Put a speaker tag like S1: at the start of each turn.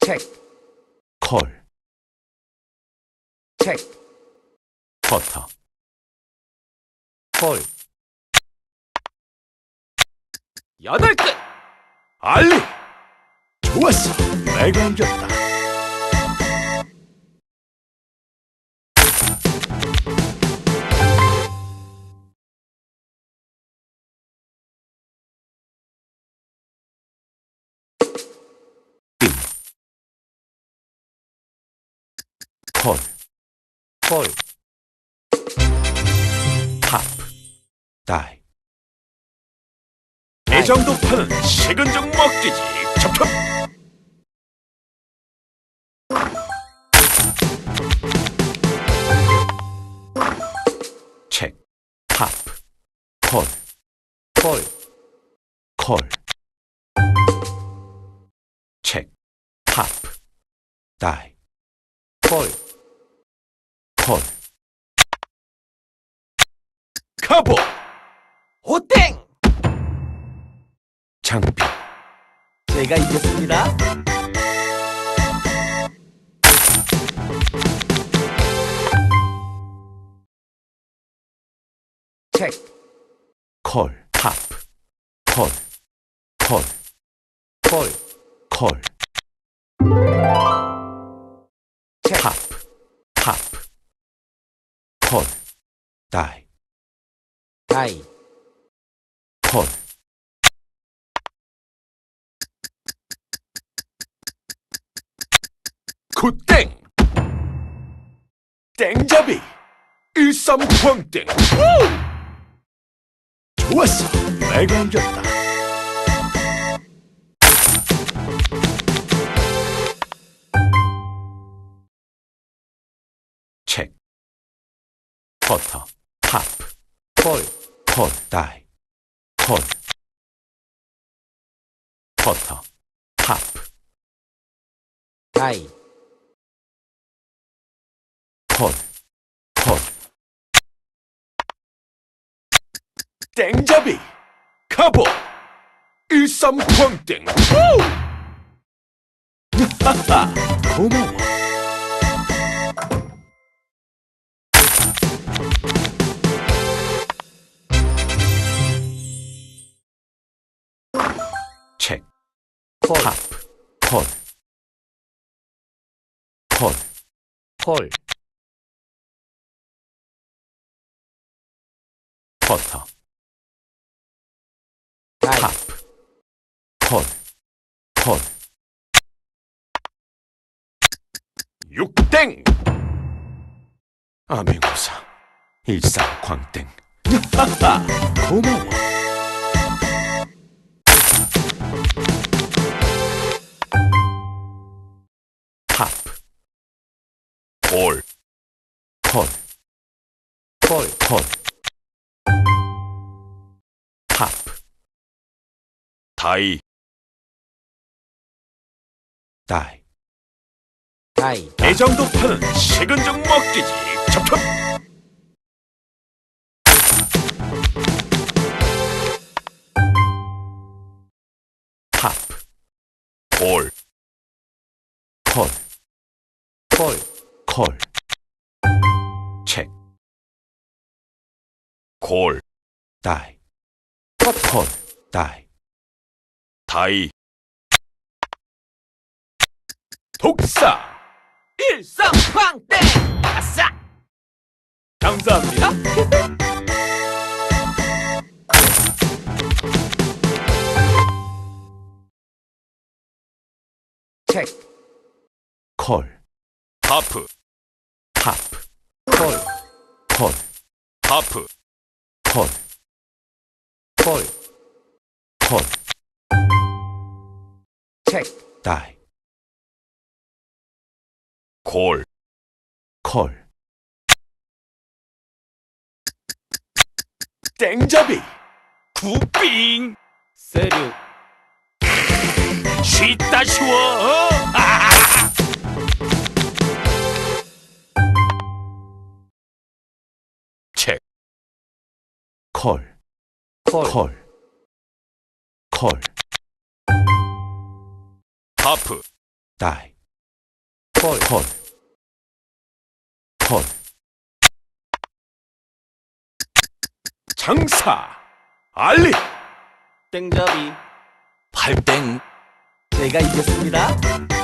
S1: 체크,
S2: 콜,
S1: 체크,
S2: 버터,
S1: 콜. 8끝!
S2: 알리! 좋았어! 내가 이겼다. 콜,
S1: 콜,
S2: 하프, 다이.
S1: 다이.
S2: 이 정도 파는 식은 죽 먹기지. 첩첩! 책, 하프, 콜,
S1: 콜,
S2: 콜. 책, 하프, 다이.
S1: 콜.
S2: 콜. 카보!
S1: 오땡!
S2: 장비.
S1: 제가 이겼습니다. 체크,
S2: 콜, 하프, 콜, 콜,
S1: 콜,
S2: 콜.
S1: 체크,
S2: 하프, 하프. 콜, 다이.
S1: 다이.
S2: 콜. 굿땡! 땡잡이! 일삼광땡! 좋았어! 내가 이겼다. 책, 버터, 하프,
S1: 콜,
S2: 콜, 다이. 콜. 버터, 하프,
S1: 다이.
S2: 콜, 콜. 땡잡이! 카보! 일삼광땡! 하하! 고마워. 책,
S1: 콜,
S2: 하프, 콜, 콜,
S1: 콜,
S2: 버터,
S1: 다이.
S2: 하프, 콜, 콜. 육땡! 암행어사, 일삼광땡. 하하! 고마워. 하프, 콜, 콜,
S1: 콜,
S2: 콜. 하프, 다이. 다이.
S1: 다이.
S2: 이 정도 파는 식은 죽 먹기지. 첩첩! 하프, 콜, 콜,
S1: 콜,
S2: 콜. 책, 콜, 다이. 콜, 다이. 다이. 독사!
S1: 일삼광땡! 아싸!
S2: 감사합니다.
S1: 체크,
S2: 콜, 하프, 하프,
S1: 콜,
S2: 콜, 하프, 콜,
S1: 콜.
S2: 콜.
S1: 체크,
S2: 다이. 콜, 콜. 땡잡이! 구빙!
S1: 세류.
S2: 쉽다 쉬워! 책, 콜,
S1: 콜,
S2: 콜, 콜. 하프, 다이.
S1: 콜.
S2: 콜. 콜. 장사. 알리.
S1: 땡잡이.
S2: 팔땡.
S1: 제가 이겼습니다.